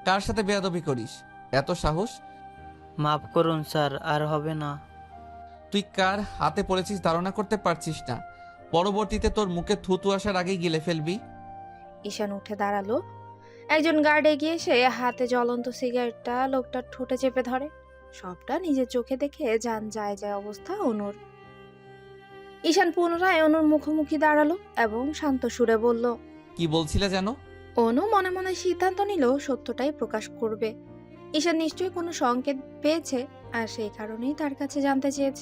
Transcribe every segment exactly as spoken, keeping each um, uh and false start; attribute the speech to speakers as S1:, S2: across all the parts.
S1: কার সাথে বেয়াদবি করিস? এত সাহস?
S2: মাফ করুন স্যার, আর হবে না।
S1: তুই কার হাতে পড়েছিস ধারণা করতে পারছিস না। পরবর্তীতে তোর মুখে থুতু আসার আগেই গিলে ফেলবি।
S3: ঈশান উঠে দাঁড়ালো। একজন গার্ড এগিয়ে এসে হাতে জ্বলন্ত সিগারেটটা লোকটার ঠোঁটে চেপে ধরে। সবটা নিজের চোখে দেখে যান যায় যায় অবস্থা অনুর। ঈশান পুনরায় অনুর মুখোমুখি দাঁড়ালো এবং শান্ত সুরে বলল,
S1: কি বলছিলে যেন?
S3: অনু মনে মনে সিদ্ধান্ত নিল সত্যটাই প্রকাশ করবে। ঈশান নিশ্চয়ই কোনো সংকেত পেয়েছে, আর সেই কারণেই তার কাছে জানতে চেয়েছে।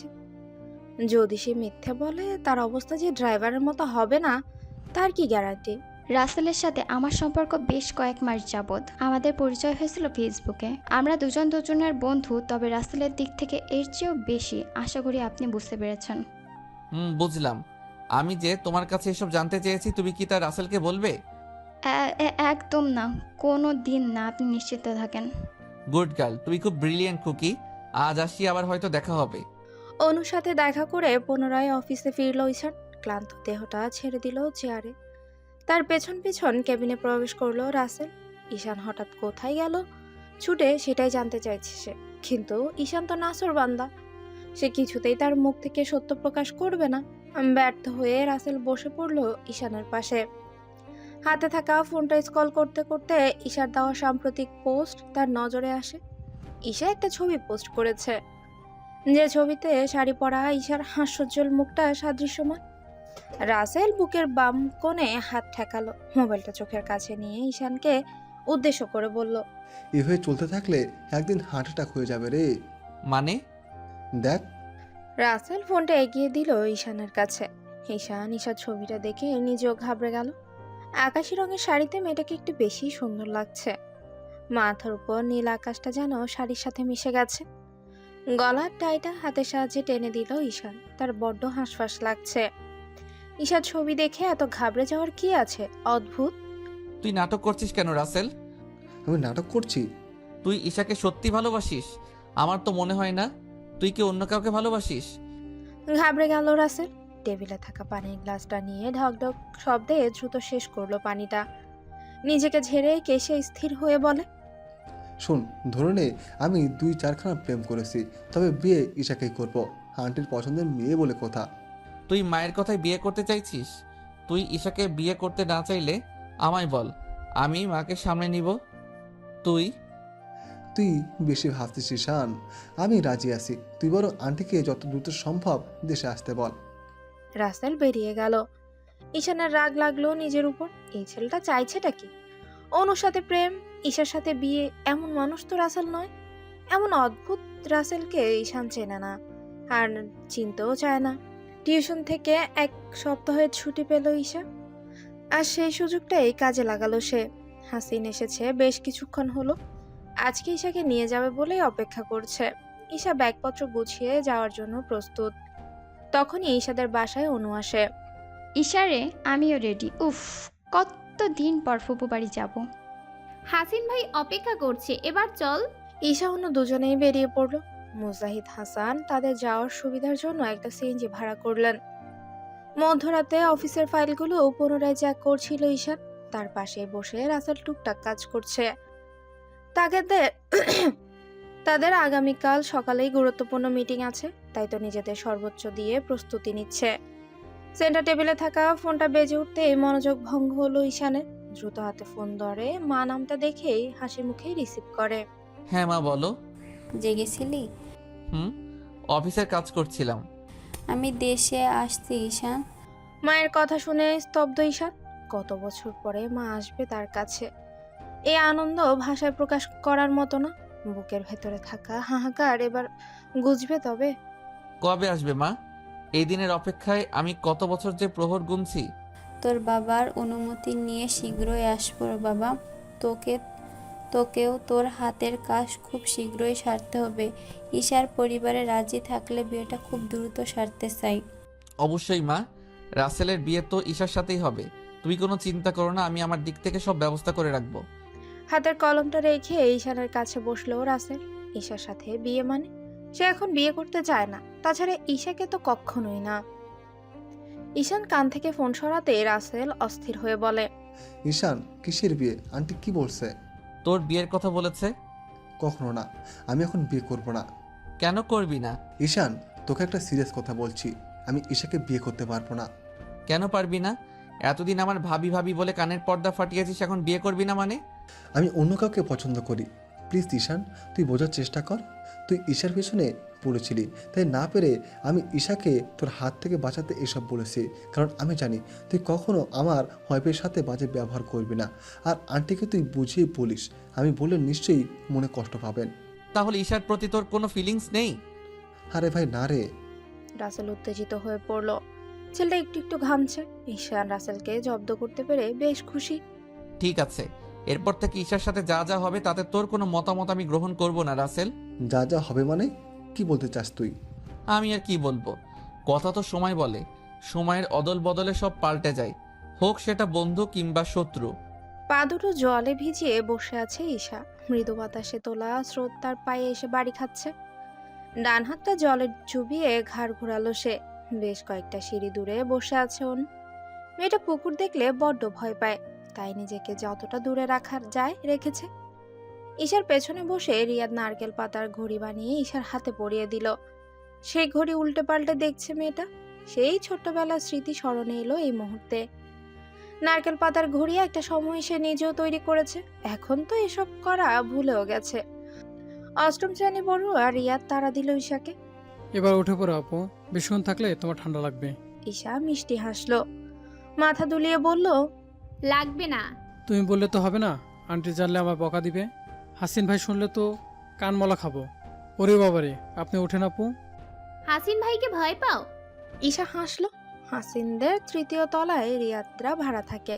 S3: যদি সে মিথ্যে বলে তার অবস্থা যে ড্রাইভারের মতো হবে না, তার কি গ্যারান্টি?
S4: রাসেলের সাথে আমার সম্পর্ক বেশ কয়েক মাস যাবৎ। আমাদের পরিচয় হয়েছিল ফেসবুকে। আমরা দুজন দুজনের বন্ধু, তবে রাসেলের দিক থেকে এর চেয়েও বেশি। আশা করি আপনি বুঝতে পেরেছেন।
S1: হুম, বুঝলাম। আমি যে তোমার কাছে এসব জানতে চেয়েছি, তুমি কি তা রাসেলকে বলবে?
S4: এ- এ- একদম না, কোনো দিন না, আপনি নিশ্চিত থাকেন।
S1: গুড গার্ল, তুমি খুব ব্রিলিয়েন্ট খুকি। আজ আসি, আবার হয়তো দেখা হবে।
S3: অনুর সাথে দেখা করে পুনরায় অফিসে ফিরল ঈশান। ক্লান্ত দেহটা ছেড়ে দিল চেয়ারে। তার পেছন পেছন কেবিনে প্রবেশ করলো রাসেল। ঈশান হঠাৎ কোথায় গেল ছুটে সেটাই জানতে চাইছে সে। কিন্তু ঈশান তো নাসর বান্দা, সে কিছুতেই তার মুখ থেকে সত্য প্রকাশ করবে না। ব্যর্থ হয়ে রাসেল বসে পড়ল ঈশানের পাশে। হাতে থাকা ফোনটা স্ক্রল করতে করতে ঈশার দেওয়া সাম্প্রতিক পোস্ট তার নজরে আসে। ঈশা একটা ছবি পোস্ট করেছে, যে ছবিতে শাড়ি পরা ঈশার হাস্যোজ্জ্বল মুখটা সাদৃশ্যমান। রাসেল বুকের বাম কোণে হাত ঠেকালো, মোবাইলটা চোখের কাছে নিয়ে ঈশানকে উদ্দেশ্য করে বলল,
S5: এভাবে চলতে থাকলে একদিন হার্ট অ্যাটাক হয়ে যাবে রে।
S1: মানে?
S5: দেখ।
S3: রাসেল ফোনটা এগিয়ে দিল ঈশানের কাছে। ঈশান ঈশার ছবিটা দেখে নিজেও ঘাবড়ে গেল। আকাশি রঙের শাড়িতে মেয়েটাকে একটু বেশি সুন্দর লাগছে। মাথার উপর নীল আকাশটা যেন শাড়ির সাথে মিশে গেছে। গলার টাইটা হাতের সাহায্যে টেনে দিল ঈশান। তার বড্ড হাঁসফাঁস লাগছে। ঈশার ছবি দেখে এত ঘাবড়ে যাওয়ার কি আছে? অদ্ভুত।
S1: তুই নাটক করছিস কেন রাসেল?
S5: আমি নাটক করছি?
S1: তুই ঈশাকে সত্যি ভালোবাসিস? আমার তো মনে হয় না। তুই কি অন্য কাউকে ভালোবাসিস?
S3: ঘাবড়ে গেল রাসেল। টেবিলে থাকা পানির গ্লাসটা নিয়ে ঢকঢক শব্দে দ্রুত শেষ করলো পানিটা। নিজেকে ঝেড়ে কেশে স্থির হয়ে বলে,
S5: শোন, ধরে নে আমি দুই চারখানা প্রেম করেছি, তবে বিয়ে ঈশাকেই করব। আন্টির পছন্দের মেয়ে বলে কথা।
S1: তুই মায়ের কথায় বিয়ে করতে চাইছিস? তুই ঈশাকে বিয়ে করতে না চাইলে আমায় বল, আমি মাকে সামনে নিব। তুই
S5: তুই বেশি ভাবছিস ঈশান। আমি রাজি আছি, তুই বরং আন্টিকে যত দ্রুত সম্ভব দেশে আসতে বল।
S3: রাসেল বেরিয়ে গেল। ঈশানের রাগ লাগলো নিজের উপর। এই ছেলেটা চাইছেটা কি? অনুর সাথে প্রেম, ঈশার সাথে বিয়ে। এমন মানুষ তো রাসেল নয়। এমন অদ্ভুত রাসেলকে ঈশান চেনে না, আর চিনতেও চায় না। টিউশন থেকে এক সপ্তাহের ছুটি পেল ঈশা, আর সেই সুযোগটাই কাজে লাগালো সে। হাসিন এসেছে বেশ কিছুক্ষণ হলো। আজকে ঈশাকে নিয়ে যাবে বলেই অপেক্ষা করছে। ঈশা ব্যাগপত্র গুছিয়ে যাওয়ার জন্য প্রস্তুত। তখনই ঈশাদের বাসায় অনু আসে।
S4: ইশারে, আমিও রেডি। উফ, কত দিন পর ফুপু বাড়ি যাব।
S6: হাসিন ভাই অপেক্ষা করছে, এবার চল।
S3: ঈশা অনু দুজনেই বেরিয়ে পড়লো। মুজাহিদ হাসান তাদের যাওয়ার সুবিধার জন্য একটা সিএনজি ভাড়া করলেন। মধ্যরাতে অফিসের ফাইলগুলো পুনরায় চেক করছিল ঈশান। তার পাশে বসে রাসেল টুকটাক কাজ করছে। তাদের তাদের আগামীকাল সকালেই গুরুত্বপূর্ণ মিটিং আছে, তাই তো নিজেদের সর্বোচ্চ দিয়ে প্রস্তুতি নিচ্ছে। সেন্টার টেবিলে থাকা ফোনটা বেজে উঠতেই মনোযোগ ভঙ্গ হলো ঈশানের। দ্রুত হাতে ফোন ধরে মা নামটা দেখেই হাসি মুখে রিসিভ করে।
S1: হ্যাঁ মা, বলো।
S7: জেগেছিলি?
S1: হুম, অফিসের কাজ করছিলাম।
S7: আমি দেশে আসছি ঈশান।
S3: মায়ের কথা শুনে স্তব্ধ ঈশান। কত বছর পরে মা আসবে তার কাছে। এই আনন্দ ভাষায় প্রকাশ করার মতো না। বুকের ভেতরে থাকা হাহাকার এবার গুজবে তবে।
S1: কবে আসবে মা? এই দিনের অপেক্ষায় আমি কত বছর যে প্রহর গুনছি।
S7: তোর বাবার অনুমতি নিয়ে শীঘ্রই আসবো বাবা। তোকে তোকেও তোর হাতের কাজ খুব শীঘ্রই সারতে হবে। ঈশার পরিবারে রাজি থাকলে বিয়েটা খুব দ্রুত সারতে চাই।
S1: অবশ্যই মা, রাসেলের বিয়ে তো ঈশার সাথেই হবে। তুমি কোনো চিন্তা করো না, আমি আমার দিক থেকে সব ব্যবস্থা করে রাখবো।
S3: হাতের কলমটা রেখে ঈশানের কাছে বসলো রাসেল। ঈশার সাথে বিয়ে মানে? সে এখন বিয়ে করতে চায় না। তাছাড়া ঈশাকে তো কখনোই না। ঈশান কান থেকে ফোন সরাতে রাসেল অস্থির হয়ে বলে,
S5: ঈশান, কিসের বিয়ে? আন্টি কি বলছে?
S1: তোর বিয়ের কথা বলেছে।
S5: কখনো না, আমি এখন বিয়ে করব না।
S1: কেন করবি না?
S5: ঈশান, তোকে একটা সিরিয়াস কথা বলছি, আমি ঈশাকে বিয়ে করতে পারবো না।
S1: কেন পারবি না? এতদিন আমার ভাবি ভাবি বলে কানের পর্দা ফাটিয়েছিস, এখন বিয়ে করবি না মানে?
S5: আমি অন্য কাউকে পছন্দ করি। প্লিজ ঈশান, তুই বোঝার চেষ্টা কর। তুই ঈশার পেছনে পড়েছিলি, তাই না পেরে আমি ঈশাকে তোর হাত থেকে বাঁচাতে এসব বলেছি। কারণ আমি জানি তুই কখনো আমার ওয়াইফের সাথে বাজে ব্যবহার করবি না। আর আন্টিকে তুই বুঝিয়ে বলিস, আমি বলে নিশ্চয়ই মনে কষ্ট পাবেন।
S1: তাহলে ঈশার প্রতি তোর কোনো ফিলিংস নেই?
S5: আরে ভাই না রে।
S3: রাসেল উত্তেজিত হয়ে পড়ল। ছেলেটা একটু একটু ঘামছে। ঈশান রাসেলকে জব্দ করতে পেরে বেশ খুশি।
S1: ঠিক আছে, এরপর থেকে ঈশার সাথে যা যা হবে তাতে তোর কোনো মতামত আমি গ্রহণ করব না রাসেল।
S5: যা যা হবে মানে কি বলতে চাস তুই?
S1: আমি আর কি বলবো, কথা তো সময় বলে। সময়ের অদল বদলে সব পাল্টে যায়, হোক সেটা বন্ধু কিংবা শত্রু।
S3: পা দুটো জলে ভিজিয়ে বসে আছে ঈশা। মৃদু বাতাসে তোলা স্রোত তার পায়ে এসে বাড়ি খাচ্ছে। ডান হাতটা জলে চুবিয়ে ঘাড় ঘোরালো সে। বেশ কয়েকটা সিঁড়ি দূরে বসে আছে অনু। মেয়েটা পুকুর দেখলে বড্ড ভয় পায়, তাই নিজেকে যতটা দূরে রাখা যায় রেখেছে। ঈশার পেছনে বসে রিয়াদ নারকেল পাতার ঘড়ি বানিয়ে ঈশার হাতে পরিয়ে দিল। সেই ঘড়ি উল্টে পাল্টে দেখছে মেয়েটা। সেই ছোট্টবেলার স্মৃতি স্মরণে এলো এই মুহূর্তে। নারকেল পাতার ঘড়ি একটা সময় সে নিজেও তৈরি করেছে, এখন তো এসব করা ভুলেও গেছে। অষ্টম শ্রেণী পড়ুয়া রিয়াদ তাড়া দিল ঈশাকে।
S8: এবার উঠে পড়ো আপু, বেশিক্ষণ থাকলে তোমার ঠান্ডা লাগবে।
S3: ঈশা মিষ্টি হাসলো, মাথা দুলিয়ে বলল,
S6: লাগবে না।
S8: তুমি বললে তো হবে না, আন্টি জানলে আমার বকা দিবে। হাসিন ভাই শুনলে তো কানমলা খাবো। ওরে বাবারে, আপনি ওঠেন আপু।
S6: হাসিন ভাইকে ভয় পাও?
S3: ঈশা হাসলো। হাসিনদের তৃতীয় তলায় রিয়াদরা ভাড়া থাকে।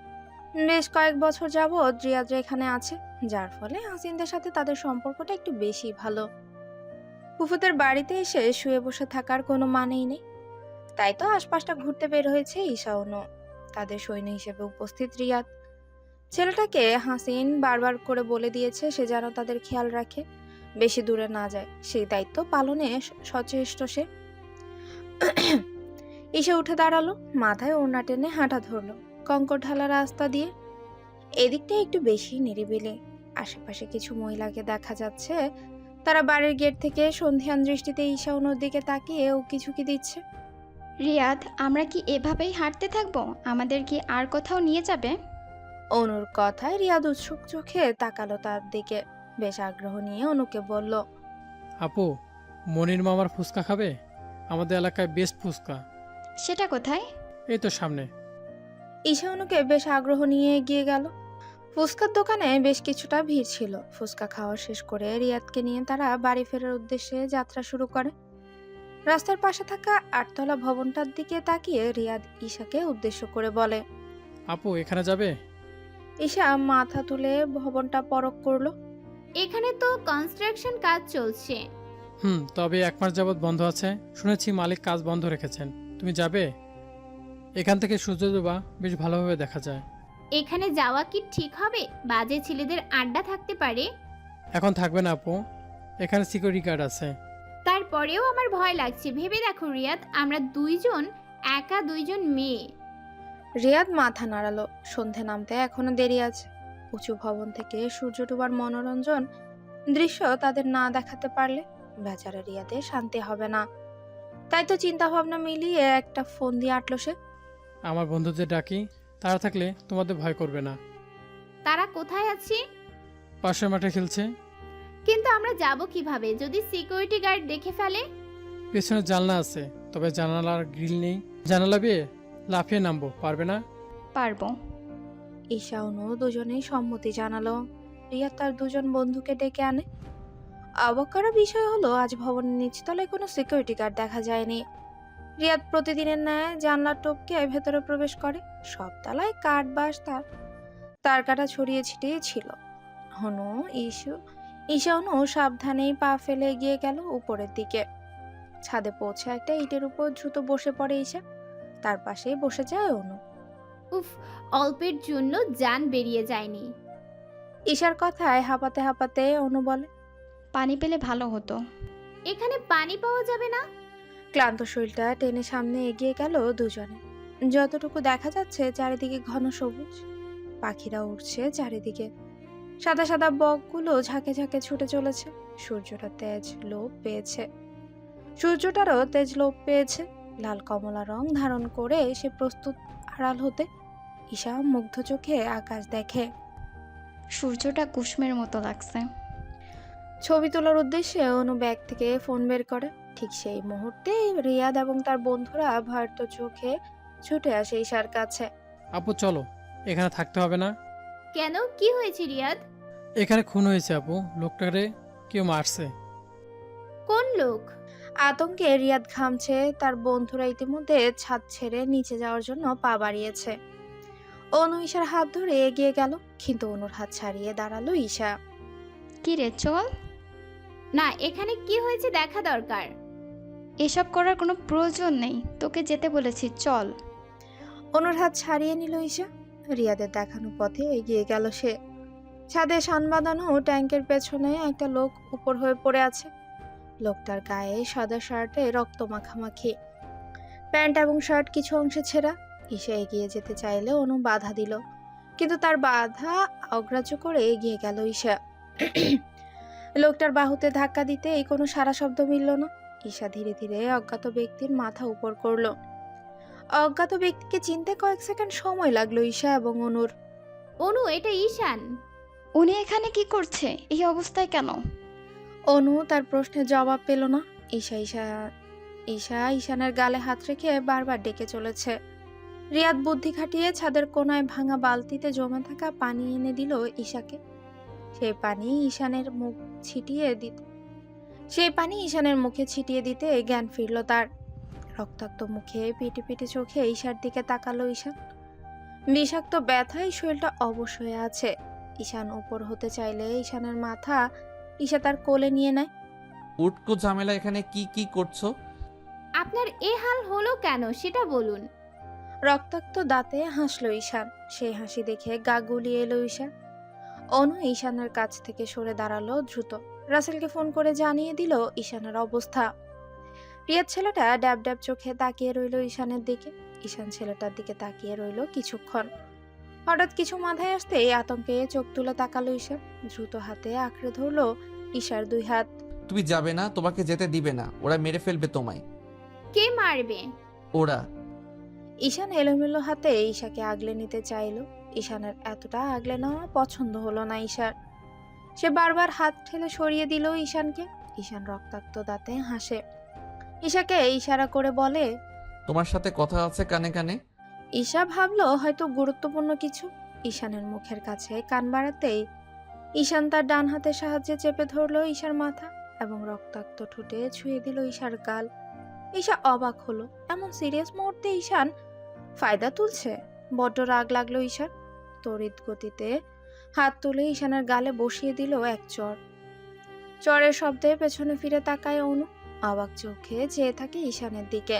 S3: বেশ কয়েক বছর যাবৎ রিয়াদরা এখানে আছে, যার ফলে হাসিনদের সাথে তাদের সম্পর্কটা একটু বেশি ভালো। ফুফুদের বাড়িতে এসে শুয়ে বসে থাকার কোনো মানেই নেই, তাই তো আশপাশটা ঘুরতে বের হয়েছে ঈশা অনু। তাদের সৈন্য হিসেবে উপস্থিত রিয়াদ। ছেলেটাকে হাসিন বারবার করে বলে দিয়েছে সে যেন তাদের খেয়াল রাখে, বেশি দূরে না যায়, সেই দায়িত্ব পালনে সচেষ্ট সে। ঈশা উঠে দাঁড়ালো, মাথায় ওড়না টেনে হাঁটা ধরলো কঙ্কর ঢালা রাস্তা দিয়ে। এদিকটা একটু বেশি নিরিবিলি, আশেপাশে কিছু মহিলাকে দেখা যাচ্ছে। তারা বাড়ির গেট থেকে সন্ধিয়ান দৃষ্টিতে ঈশা অনুর দিকে তাকিয়ে ও কিছু কি দিচ্ছে।
S4: রিয়াদ, আমরা কি এভাবেই হাঁটতে থাকবো? আমাদের কি আর কোথাও নিয়ে যাবে?
S3: অনুর কথায় রিয়াদ উৎসুক চোখে তাকালো তার দিকে। বেশ আগ্রহ নিয়ে অনুকে বলল,
S8: আপু, মনির মামার ফুচকা খাবে? আমাদের এলাকায় বেস্ট ফুচকা।
S4: সেটা কোথায়?
S8: এই তো সামনে।
S3: ঈশা অনুকে বেশ আগ্রহ নিয়ে এগিয়ে গেল। ফুচকার দোকানে বেশ কিছুটা ভিড় ছিল। ফুচকা খাওয়া শেষ করে রিয়াদকে নিয়ে তারা বাড়ি ফেরার উদ্দেশ্যে যাত্রা শুরু করে। রাস্তার পাশে থাকা আটতলা ভবনটার দিকে তাকিয়ে রিয়াদ ঈশাকে উদ্দেশ্য করে বলে,
S8: আপু, এখানে যাবে?
S3: ঈশা মাথা তুলে ভবনটা পরখ করলো।
S6: এখানে তো কনস্ট্রাকশন কাজ চলছে।
S8: হুম, তবে এক মাস যাবৎ বন্ধ আছে, শুনেছি মালিক কাজ বন্ধ রেখেছেন। তুমি যাবে? এখান থেকে সূর্যোদয় বেশ ভালোভাবে দেখা যায়।
S6: এখানে যাওয়া কি ঠিক হবে? বাজে ছেলেদের আড্ডা থাকতে পারে।
S8: এখন থাকবে না আপু, এখানে সিকিউরিটি গার্ড আছে।
S6: তারপরেও আমার ভয় লাগছে। ভেবে দেখো রিয়াদ, আমরা দুইজন একা, দুইজন মেয়ে।
S3: রিয়াদ মাথা নাড়ালো। সন্ধে নামতে এখনো দেরি আছে। উঁচু ভবন থেকে সূর্য ডোবার মনোরঞ্জন দৃশ্য তাদের না দেখাতে পারলে বেচারা রিয়াদের শান্তি হবে না। তাই তো চিন্তা ভাবনা মিলিয়ে একটা ফোন দিয়ে আটলো সে।
S8: আমার বন্ধুদের ডাকি, তারা থাকলে তোমাদের ভয় করবে না।
S6: তারা কোথায় আছে?
S8: পাশের মাঠে খেলছে।
S6: কিন্তু আমরা যাব কিভাবে যদি সিকিউরিটি গার্ড দেখে ফেলে?
S8: পেছনে জানলা আছে, তবে জানালার গ্রিল নেই। জানালা বেয়ে লাফিয়ে নামবো, পারবে না?
S4: পারবো।
S3: ঈশা অনু দুজনেই সম্মতি জানালো। রিয়াদ তার দুজন বন্ধুকে ডেকে আনে। অবাক করা বিষয় হলো আজ ভবনের নিচতলায় কোনো সিকিউরিটি গার্ড দেখা যায়নি। রিয়াদ প্রতিদিনের ন্যায় জানলার টপকে ভেতরে প্রবেশ করে। সব তলায় কাঠ বাঁশ তার তার কাটা ছড়িয়ে ছিটিয়ে ছিল। হনু ইস্যু ঈশা অনু সাবধানেই পা ফেলে এগিয়ে গেল উপরের দিকে। ছাদে পৌঁছে একটা ইটের উপর দ্রুত বসে পড়ে ঈশা। তার পাশেই বসে যায় অনু।
S6: উফ, অল্পের জন্য জান বেরিয়ে যায়নি।
S3: ঈশার কথায় হাঁপাতে হাঁপাতে অনু বলে,
S4: পানি পেলে ভালো হতো।
S6: এখানে পানি পাওয়া যাবে না?
S3: ক্লান্ত শরীরটা টেনে সামনে এগিয়ে গেল দুজনে। যতটুকু দেখা যাচ্ছে চারিদিকে ঘন সবুজ, পাখিরা উড়ছে চারিদিকে। সাদা সাদা বকগুলো ঝাঁকে ঝাঁকে ছুটে চলেছে। সূর্যটা তেজ লোপ পেয়েছে সূর্যটারও তেজ লোপ পেয়েছে লাল কমলা রং ধারণ করে সে প্রস্তুত আড়াল হতে। ঈশা মুগ্ধ চোখে আকাশ দেখে।
S4: সূর্যটা কুসুমের মতো লাগছে।
S3: ছবি তোলার উদ্দেশ্যে অনু ব্যাগ থেকে ফোন বের করে। ঠিক সেই মুহূর্তে রিয়াদ এবং তার বন্ধুরা ভয়ার্ত চোখে ছুটে আসে ঈশার কাছে।
S8: আপু চলো, এখানে থাকতে হবে না।
S6: কেন, কি হয়েছে রিয়াদ?
S8: এখানে খুন হয়েছে আপু, লোকটারে কেউ মারছে।
S6: কোন লোক?
S3: আতঙ্কে রিয়াদ ঘামছে। তার বন্ধুরা ইতিমধ্যে ছাদ ছেড়ে নিচে যাওয়ার জন্য পা বাড়িয়েছে। অনু ঈশার হাত ধরে এগিয়ে গেল, কিন্তু অনুর হাত ছাড়িয়ে দাঁড়ালো ঈশা।
S4: কি রে, চল।
S6: না, এখানে কি হয়েছে দেখা দরকার।
S4: এসব করার কোনো প্রয়োজন নেই, তোকে যেতে বলেছি, চল।
S3: অনুর হাত ছাড়িয়ে নিল ঈশা। রিয়াদের দেখানো পথে এগিয়ে গেল সে। ছাদে শান বাঁধানো ট্যাঙ্কের পেছনে একটা লোক উপর হয়ে পড়ে আছে। লোকটার গায়ে সাদা শার্টে রক্ত মাখামাখি, প্যান্ট এবং শার্ট কিছু অংশে ছেঁড়া। ঈশা এগিয়ে যেতে চাইলে অনু বাধা দিল, কিন্তু তার বাধা অগ্রাহ্য করে এগিয়ে গেল ঈশা। লোকটার বাহুতে ধাক্কা দিতে এই কোনো সারা শব্দ মিলল না। ঈশা ধীরে ধীরে অজ্ঞাত ব্যক্তির মাথা উপর করলো। অজ্ঞাত ব্যক্তিকে চিনতে কয়েক সেকেন্ড সময় লাগলো ঈশা এবং অনুর।
S6: অনু, এটা ঈশান।
S4: উনি এখানে কি করছে, এই অবস্থায় কেন?
S3: অনু তার প্রশ্নের জবাব পেল না। ঈশা ঈশা ঈশা ঈশানের গালে হাত রেখে বারবার ডেকে চলেছে। রিয়াদ বুদ্ধি খাটিয়ে ছাদের কোনায় ভাঙা বালতিতে জমে থাকা পানি এনে দিল ঈশাকে। সেই পানি ঈশানের মুখ ছিটিয়ে দিতে সেই পানি ঈশানের মুখে ছিটিয়ে দিতে জ্ঞান ফিরল তার। রক্তাক্ত মুখে পিটি পিটি চোখে ঈশার দিকে তাকালো ঈশান। বিষাক্ত ব্যথায় শরীরটা অবশ হয়ে আছে। ঈশান উপর হতে চাইলে ঈশানের মাথা ঈশা তার কোলে নিয়ে নেয়।
S1: উটকো ঝামেলা, এখানে কি কি করছো?
S6: আপনার এ হাল হলো কেন সেটা বলুন।
S3: রক্তাক্ত দাঁতে হাসলো ঈশান। সেই হাসি দেখে গা গুলিয়ে এলো ঈশান। অনু ঈশানের কাছ থেকে সরে দাঁড়ালো দ্রুত। রাসেলকে ফোন করে জানিয়ে দিল ঈশানের অবস্থা। রিয়াদ ছেলেটা ড্যাব ড্যাব চোখে তাকিয়ে রইল ঈশানের দিকে। ঈশান ছেলেটার দিকে তাকিয়ে রইল কিছুক্ষণ। হঠাৎ কিছু মাথায় আসতে আতঙ্কে চোখ তুলে তাকালো ঈশান। দ্রুত হাতে আঁকড়ে ধরলো ঈশার দুই হাত।
S1: তুমি যাবে না, তোমাকে যেতে দিবে না, ওরা মেরে ফেলবে তোমায়।
S6: কে মারবে?
S1: ওরা।
S3: ঈশান এলোমেলো হাতে ঈশাকে আগলে নিতে চাইল। ঈশানের এতটা আগলে নেওয়া পছন্দ হলো না ঈশার। সে বারবার হাত ঠেলে সরিয়ে দিল ঈশানকে। ঈশান রক্তাক্ত দাঁতে হাসে। ঈশাকে ইশারা করে বলে,
S1: তোমার সাথে কথা আছে কানে কানে।
S3: ঈশা ভাবলো হয়তো গুরুত্বপূর্ণ কিছু। ঈশানের মুখের কাছে কান বাড়াতেই ঈশান তার ডান হাতের সাহায্যে চেপে ধরলো ঈশার মাথা এবং রক্তাক্ত ঠোঁটে ছুঁয়ে দিল ঈশার গাল। ঈশা অবাক হলো, এমন সিরিয়াস মুহূর্তে ঈশান ফায়দা তুলছে। বড্ড রাগ লাগলো ঈশার। তড়িৎ গতিতে হাত তুলে ঈশানের গালে বসিয়ে দিল এক চর। চরের শব্দে পেছনে ফিরে তাকায় অনু। অবাক চোখে চেয়ে থাকে ঈশানের দিকে।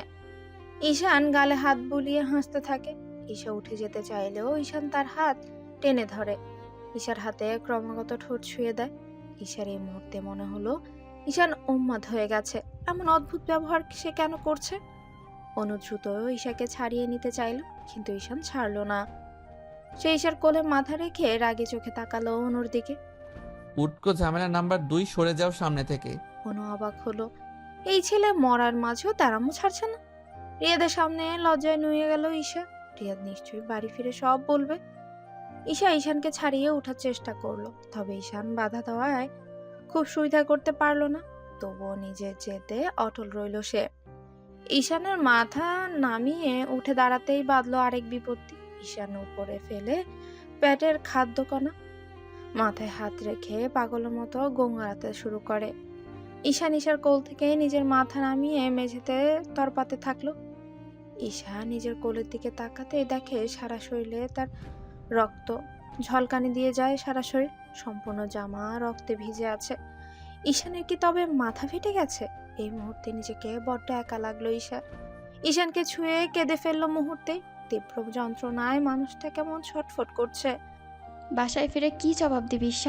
S3: ঈশান গালে হাত বুলিয়ে হাসতে থাকে। ঈশা উঠে যেতে চাইলেও ঈশান তার হাত টেনে ধরে। ঈশার হাতে ক্রমাগত ঠোঁট ছুঁয়ে দেয়। ঈশার এই মুহূর্তে মনে হলো ঈশান উন্মাদ হয়ে গেছে। এমন অদ্ভুত ব্যবহার সে কেন করছে? অনু দ্রুত ঈশাকে ছাড়িয়ে নিতে চাইল, কিন্তু ঈশান ছাড়লো না। সে ঈশার কোলে মাথা রেখে রাগে চোখে তাকালো অনুর দিকে।
S1: উটকো ঝামেলা নাম্বার দুই, সরে যাও সামনে থেকে।
S3: অনু অবাক হলো, এই ছেলে মরার মাঝেও তারামো ছাড়ছে না। রিয়াদের সামনে লজ্জায় নুয়ে গেল ঈশা। রিয়াদ নিশ্চয়ই বাড়ি ফিরে সব বলবে। ঈশা ঈশানকে ছাড়িয়ে ওঠার চেষ্টা করলো, তবে ঈশান বাধা দেওয়ায় খুব সুবিধা করতে পারলো না। তবুও নিজের জেদে অটল রইল সে। ঈশানের মাথা নামিয়ে উঠে দাঁড়াতেই বাঁধলো আরেক বিপত্তি। ঈশান উপরে ফেলে পেটের খাদ্যকণা মাথায় হাত রেখে পাগলের মতো গোঙাতে শুরু করে। ঈশান ঈশার কোল থেকে নিজের মাথা নামিয়ে মেঝেতে তরপাতে থাকলো। ঈশা নিজের কোলের দিকে তাকাতে দেখে সারা শরীরে তার রক্ত ঝলকানি দিয়ে যায়। সারা শরীর সম্পূর্ণ জামা রক্তে ভিজে আছে। ঈশানের কি তবে মাথা ফেটে গেছে? এই মুহূর্তে নিজেকে বড্ড একা লাগলো ঈশার। ঈশানকে ছুঁয়ে কেঁদে ফেললো মুহূর্তে। তীব্র যন্ত্রণায় মানুষটা কেমন ছটফট করছে।
S4: বাসায় ফিরে কি জবাব দিবি ঈশা?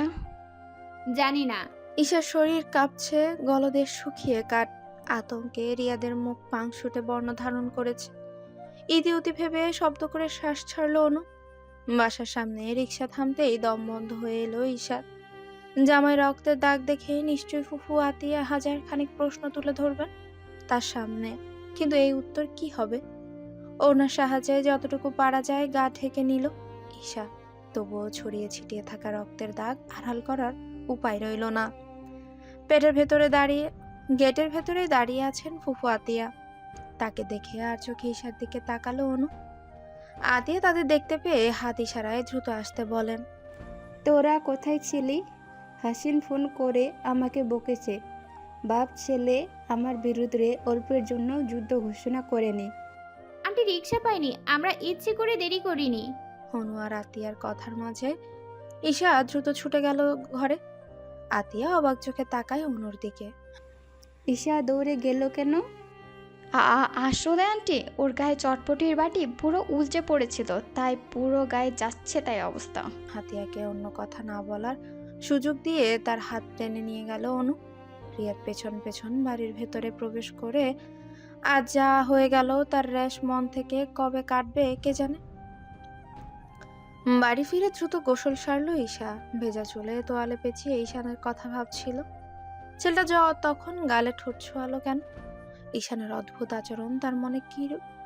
S6: জানি না।
S3: ঈশার শরীর কাঁপছে, গলদেশ শুকিয়ে কাট। আতঙ্কে রিয়াদের মুখ পাংশুটে বর্ণ ধারণ করেছে। ইতিউতি ভেবে শব্দ করে শ্বাস ছাড়লো অনু। বাসার সামনে রিক্সা থামতেই দম বন্ধ হয়ে এলো ঈশার। জামাই রক্তের দাগ দেখে নিশ্চয়ই ফুফু আতিয়া হাজার খানিক প্রশ্ন তুলে ধরবেন তার সামনে, কিন্তু এই উত্তর কি হবে? ওনার সাহায্যে যতটুকু পারা যায় গা ঢেকে নিল ঈশা, তবুও ছড়িয়ে ছিটিয়ে থাকা রক্তের দাগ আড়াল করার উপায় রইল না। পেটের ভেতরে দাঁড়িয়ে গেটের ভেতরে দাঁড়িয়ে আছেন ফুফু আতিয়া। তাকে দেখে আর চোখে ঈশার দিকে তাকালো অনু। আতিয়া তাদের দেখতে পেয়ে হাত ইশারায় দ্রুত আসতে বলেন।
S9: তোরা কোথায় ছিলি? হাসিন ফোন করে আমাকে বকেছে, বাপ ছেলে আমার বিরুদ্ধে অল্পের জন্য যুদ্ধ ঘোষণা করেনি।
S6: আন্টি রিক্সা পাইনি, আমরা ইচ্ছে করে দেরি করিনি।
S3: অনু আর আতিয়ার কথার মাঝে ঈশা দ্রুত ছুটে গেল ঘরে। আতিয়া অবাক চোখে তাকায় অনুর দিকে।
S9: ঈশা দৌড়ে গেল কেন?
S4: আ- আ- আসলে আন্টি ওর গায়ে চটপটির বাটি পুরো উলটে পড়েছিল, তাই পুরো গায়ে যাচ্ছে তাই অবস্থা।
S3: হাতিয়াকে অন্য কথা না বলার সুযোগ দিয়ে তার হাত টেনে নিয়ে গেল অনু। রিয়াদ পেছন পেছন বাড়ির ভেতরে প্রবেশ করে আজ যা হয়ে গেল তার রেশ মন থেকে কবে কাটবে কে জানে। বাড়ি ফিরে দ্রুত গোসল সারল ঈশা। ভেজা চুলে তোয়ালে পেঁচিয়ে ঈশানের কথা ভাবছিল। ছেলেটা য তখন গালে ঠোঁট ছোঁয়ালো কেন? ঈশানের অদ্ভুত আচরণ তার মনে কি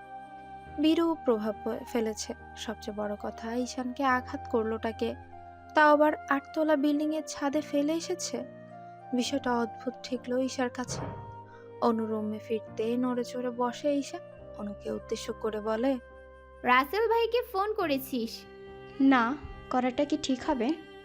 S3: বিরূপ প্রভাব ফেলেছে। সবচেয়ে বড় কথা, ঈশানকে আঘাত করলোটাকে, তাও আবার আটতলা বিল্ডিং এর ছাদে ফেলে এসেছে। বিষয়টা অদ্ভুত ঠেকলো ঈশার কাছে। অনু রুমে ফিরতে নড়ে চড়ে বসে ঈশা। অনুকে উদ্দেশ্য করে বলে,
S6: রাসেল ভাইকে ফোন করেছিস?
S4: না, করাটা কি ঠিক হবে?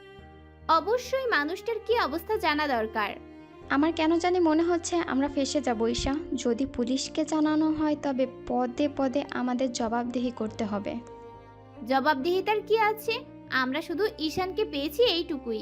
S6: অবশ্যই, মানুষটার কি অবস্থা জানা দরকার।
S4: আমার কেন জানি মনে হচ্ছে আমরা ফেঁসে যাব ঈশা। যদি পুলিশকে জানানো হয় তবে পদে পদে আমাদের জবাবদিহি করতে হবে।
S6: জবাবদিহিতার কি আছে? আমরা শুধু ঈশানকে পেয়েছি এইটুকুই।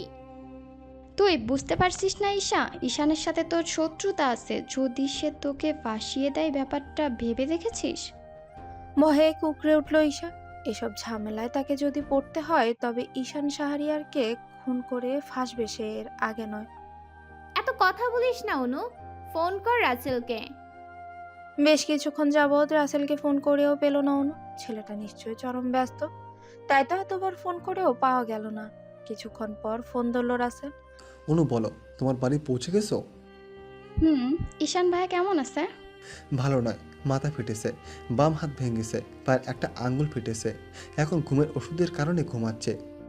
S4: তুই বুঝতে পারছিস না ঈশা, ঈশানের সাথে তোর শত্রুতা আছে। যদি সে তোকে ফাঁসিয়ে দেয়, ব্যাপারটা ভেবে দেখেছিস?
S3: ভয়ে কুকড়ে উঠল ঈশা। এসব ঝামেলায় তাকে যদি পড়তে হয় তবে ঈশান শাহরিয়ারকে খুন করে ফাঁসবে, সে এর আগে নয়।
S6: এত কথা বলিস না অনু, ফোন কর রাসেলকে।
S3: বেশ কিছুক্ষণ যাবৎ রাসেলকে ফোন করেও পেল না অনু। ছেলেটা নিশ্চয়ই চরম ব্যস্ত, তাই তো এতবার ফোন করেও পাওয়া গেল না। কিছুক্ষণ পর ফোন ধরল রাসেল।
S5: অনু বলো, তোমার বাড়ি পৌঁছে গেছো?
S4: হুম, ঈশান ভাই কেমন আছে?
S5: ভালো নয়, মাথা ফেটেছে, বাম হাত ভেঙেছে, পায়ের একটা আঙ্গুল ফেটেছে, এখন ঘুমের ওষুধের কারণে ঘুমাচ্ছে।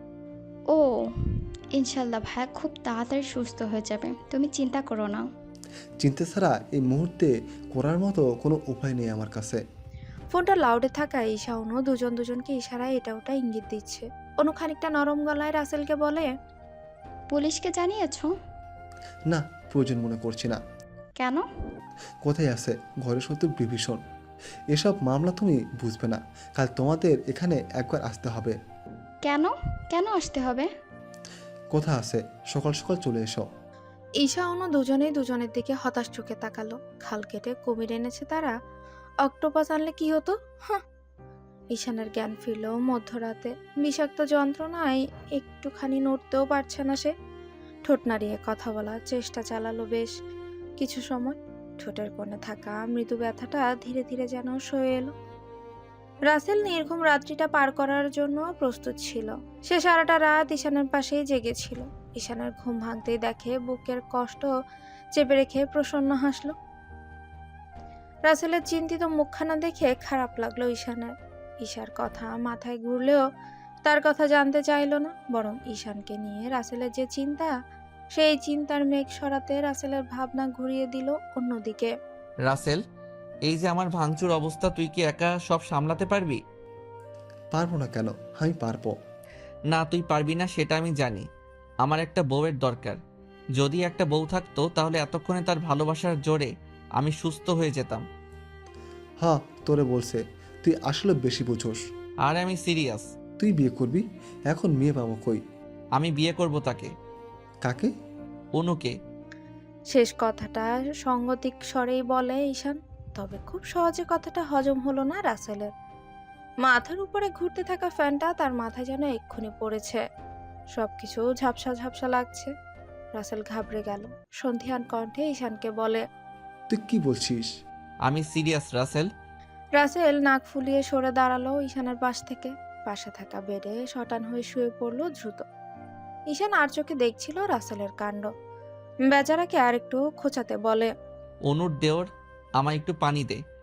S4: ও, ইনশাল্লাহ ভাইয়া খুব তাড়াতাড়ি সুস্থ হয়ে যাবে, তুমি চিন্তা করো না।
S5: চিন্তা ছাড়া এই মুহূর্তে করার মতো কোনো উপায় নেই আমার কাছে।
S3: ফোনটা লাউডে থাকায় ঈশা অনু দুজন দুজনকে ইশারায় এটা ওটা ইঙ্গিত দিচ্ছে। অনু খানিকটা নরম গলায় রাসেলকে বলে,
S4: পুলিশকে জানিয়েছো?
S5: না, প্রয়োজন মনে করছি না।
S4: কেন?
S5: কোথায় আছে ঘরে শত্রু বিভীষণ। এসব মামলা তুমি বুঝবে না, কাল তোমাদের এখানে একবার আসতে হবে।
S4: কেন কেন আসতে হবে?
S5: কোথা আছে, সকাল সকাল চলে এসো।
S3: ঈশা অনু দুজনেই দুজনের দিকে হতাশ চোখে তাকালো। খাল কেটে কুমির এনেছে তারা, অক্টোপাস আনলে কি হতো? হাহ। ঈশানের জ্ঞান ফিরল মধ্যরাতে। বিষাক্ত যন্ত্রণায় একটুখানি নড়তেও পারছে না সে। ঠোঁট নাড়িয়ে কথা বলার চেষ্টা চালালো বেশ কিছু সময়। ঠোঁটের কোণে থাকা মৃদু ব্যথাটা ধীরে ধীরে যেন সয়ে এলো। রাসেল নির্ঘুম রাত্রিটা পার করার জন্য প্রস্তুত ছিল। সে সারাটা রাত ঈশানের পাশেই জেগেছিল। ঈশানের ঘুম ভাঙতেই দেখে বুকের কষ্ট চেপে রেখে প্রসন্ন হাসল। রাসেলের চিন্তিত মুখখানা দেখে খারাপ লাগলো ঈশানের। ঈশার কথা মাথায় ঘুরলেও তার কথা জানতে চাইল না, বরং ঈশানকে নিয়ে রাসেলের যে চিন্তা, সেই চিন্তার মেঘ সরাতে রাসেলের ভাবনা ঘুরিয়ে দিল অন্যদিকে।
S1: রাসেল, এই যে আমার ভাঙচুর অবস্থা, তুই কি একা সব সামলাতে পারবি?
S5: পারবো না কেন, আমি পারবো।
S1: না, তুই পারবি না সেটা আমি জানি। আমার একটা বউয়ের দরকার। যদি একটা বউ থাকতো তাহলে এতক্ষণে তার ভালোবাসার জোরে আমি সুস্থ হয়ে যেতাম।
S5: হ্যাঁ, তোরে বলছে, তুই আসলে বেশি বুঝোস।
S1: আর আমি সিরিয়াস।
S5: তুই বিয়ে করবি? এখন মেয়ে পাবো কই?
S1: আমি বিয়ে করব তাকে।
S5: কাকে?
S1: অনুকে।
S3: শেষ কথাটা সঙ্গতিক স্বরেই বলে ঈশান, তবে খুব সহজে কথাটা হজম হলো না রাসেলের। মাথার উপরে ঘুরতে থাকা ফ্যানটা তার মাথায় যেন এক্ষুনি পড়েছে। সবকিছু ঝাপসা ঝাপসা লাগছে। রাসেল ঘাবড়ে গেল। সন্ধিয়ান কণ্ঠে ঈশানকে বলে,
S5: তুই কি বলছিস?
S1: আমি সিরিয়াস রাসেল।
S3: রাসেল নাক ফুলিয়ে সরে দাঁড়ালো ঈশানের পাশ থেকে। পাশে থাকা বেডে শটান হয়ে শুয়ে পড়ল দ্রুত। ঈশান আর চোখে দেখছিল রাসেলের কাণ্ড। বেচারাকে আর একটু খোঁচাতে বলে,
S1: অনুর দেওর, আমায় একটু পানি দে।